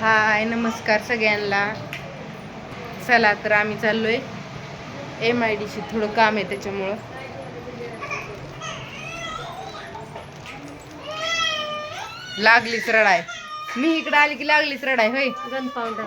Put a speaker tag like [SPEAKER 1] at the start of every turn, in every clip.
[SPEAKER 1] हाय नमस्कार सगळ्यांना. चला तर आम्ही चाललोय MIDC, थोडं काम आहे त्याच्यामुळं. लागलीच रडाय. मी इकडे आली की लागलीच रडाय. होय
[SPEAKER 2] गन पावडर.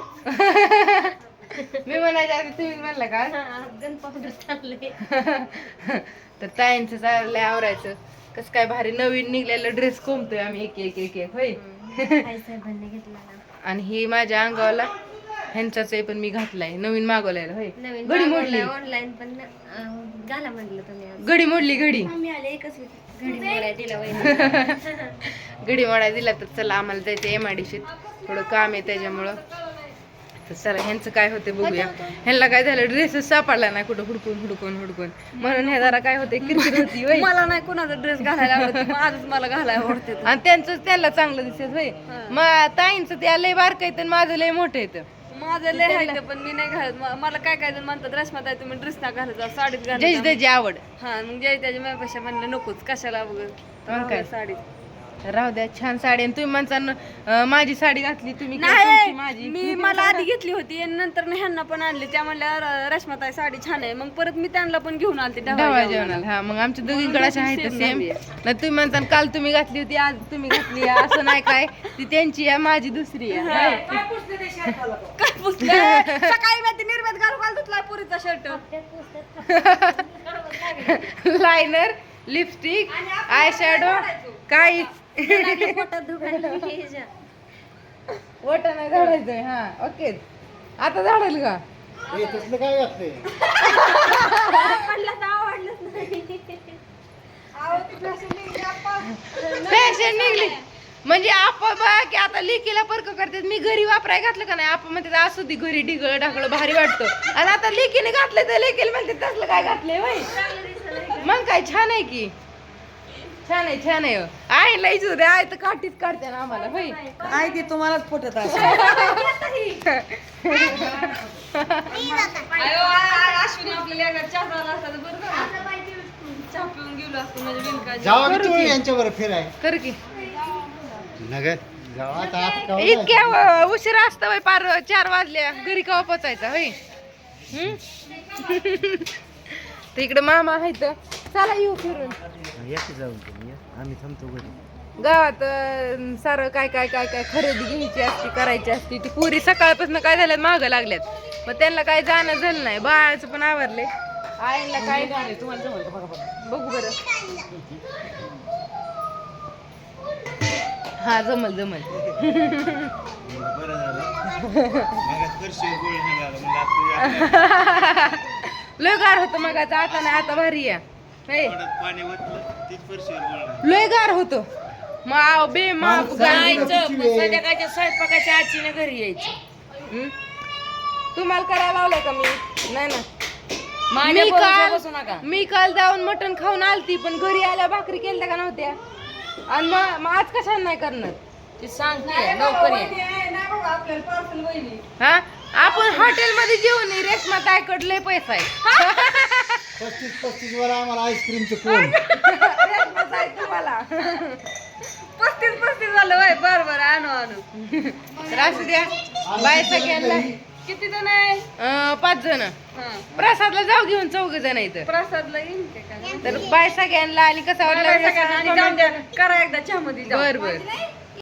[SPEAKER 1] मी म्हणायच्या आधी तुम्ही म्हणलं का
[SPEAKER 2] गन पावडर चालले.
[SPEAKER 1] तर ताईंचं चाललंय आवरायचं. कसं काय भारी नवीन निघलेलं ड्रेस कोंबतोय आम्ही एक एक एक एक. होय
[SPEAKER 2] साहेबांनी घेतला ना.
[SPEAKER 1] आणि ही माझ्या अंगावाला ह्यांचाच आहे, पण मी घातलाय नवीन मागवलाय. होय
[SPEAKER 2] नवीन
[SPEAKER 1] घडी मोडली
[SPEAKER 2] ऑनलाईन पण घाला म्हणलं तुम्ही आज.
[SPEAKER 1] घडी मोडली घडी
[SPEAKER 2] मी आले एकच घडी मोडाय दिला वहिनी.
[SPEAKER 1] घडी मोडाय दिला. तर चला आम्हाला जायचं MIDC, थोडं काम आहे त्याच्यामुळं. तर चला ह्यांचं काय होते बघूया. ह्यांना काय झालं, ड्रेसच सापडला नाही कुठं हुडकून हुडकून हुडकून, म्हणून ह्या जरा काय होते किरकिर होती. होय
[SPEAKER 2] मला नाही कोणाचा ड्रेस घालायला आवडत, आजच मला घालायला आवडते.
[SPEAKER 1] आणि त्यांचं त्यांना चांगलं दिसत. होय मग ताईंचं त्या लय बारक येतं आणि माझं लय मोठं येतं.
[SPEAKER 2] माझं लय आहे पण मी नाही घालत. मला काय काय जण म्हणतात रश्माताई तुम्ही ड्रेस ना घालत जा, साडीत
[SPEAKER 1] जय
[SPEAKER 2] घालत
[SPEAKER 1] त्याची आवड.
[SPEAKER 2] हा मग जय त्याच्या माझ्यापेक्षा म्हणलं नकोच कशाला
[SPEAKER 1] मग काय?
[SPEAKER 2] साडीत
[SPEAKER 1] राहू द्या, छान साडी. आणि तुम्ही म्हणता माझी साडी घातली तुम्ही काय,
[SPEAKER 2] नाही.
[SPEAKER 1] तुमची माझी.
[SPEAKER 2] मी मला आधी घेतली होती आणि नंतर ह्यांना पण आणली. त्या म्हणल्या रश्माताई साडी छान आहे. मग परत मी त्यांना पण घेऊन आलते
[SPEAKER 1] ढवळा जेवणाला. हा मग आमच्या दोघींकडे अशा आहेत सेम. नाही तुम्ही म्हणता काल तुम्ही घातली होती आज तुम्ही घातली आहे, असं नाही काय. ती त्यांची आहे माझी दुसरी आहे.
[SPEAKER 2] काय पुसलं सकाळी मी ती निर्म्यात घालू धुतलाय पुरीचा shirt.
[SPEAKER 1] Liner, lipstick, eye shadow काहीच वटा नाही झाडायचंय. हा ओके आता झाडाल का फॅशन निघली म्हणजे आपण बघा की आता लेकीला परक करतात. मी घरी वापराय घातलं का नाही आपण म्हणते असू दे घरी ढिगळ ढाकळ भारी वाटतं. आणि आता लेकीने घातलं तर लेकीला म्हणते तसलं काय घातलंय. होय मग काय छान आहे की, छान आहे छान आहे. आहे लईच होते आहे तर काठीच काढते ना आम्हाला. होय
[SPEAKER 2] आहे ते तुम्हालाच फुटत असेल. अश्विनी आपल्याला चहा झाला असता तर बरं झालं. चहा पिऊन गेलो असतो म्हणजे बिनकाजी.
[SPEAKER 3] यांच्यावर फिराय
[SPEAKER 1] कर की
[SPEAKER 3] नगर
[SPEAKER 1] इतक्या उशीर असतं होय. पार 4 वाजल्या घरी कवा पोचायचा. होय तर इकडे मामा आहेत. चला येऊ फिरून.
[SPEAKER 3] आम्ही थांबतो घरी.
[SPEAKER 1] गावात सारं काय काय काय काय खरेदी घ्यायची असती करायची असती. ती पुरी सकाळपासून काय झाल्यात मागं लागल्यात. मग त्यांना काय जाणं झालं नाही. बाळाचं पण आवरले. आईला काय बघू बरं. हा जमल जमल. लय गार होतं मग आता नाही. आता भारी आहे. लय गार होतं मग बे माप
[SPEAKER 2] संध्याकाळच्या स्वयंपाकाच्या आजीने घरी यायची.
[SPEAKER 1] तुम्हाला करायला लावलंय का मी? नाही ना. मी काल जाऊन मटण खाऊन आलती, पण घरी आल्या भाकरी केल्या का नव्हत्या. आणि मग आज कशाला नाही करणार
[SPEAKER 2] ती सांगते नोकरी.
[SPEAKER 1] हा आपण हॉटेलमध्ये जेवण रेशमा ताईकडे लय पैसा आहे.
[SPEAKER 3] 35 वर आम्हाला आईस्क्रीमचं कोण
[SPEAKER 1] रेशमा ताई तुम्हाला
[SPEAKER 2] 35 झालं वय. बरं आणू आणू.
[SPEAKER 1] तर असू द्या. बाय सगळ्यांना.
[SPEAKER 2] किती जण आहे?
[SPEAKER 1] 5 जण. प्रसादला जाऊ घेऊन 4 जण आहेत.
[SPEAKER 2] प्रसादला येईन ते का?
[SPEAKER 1] तर बाय सगळ्यांना. आणि कसा वाटला
[SPEAKER 2] करा एकदा चहा मध्ये.
[SPEAKER 1] बर बर.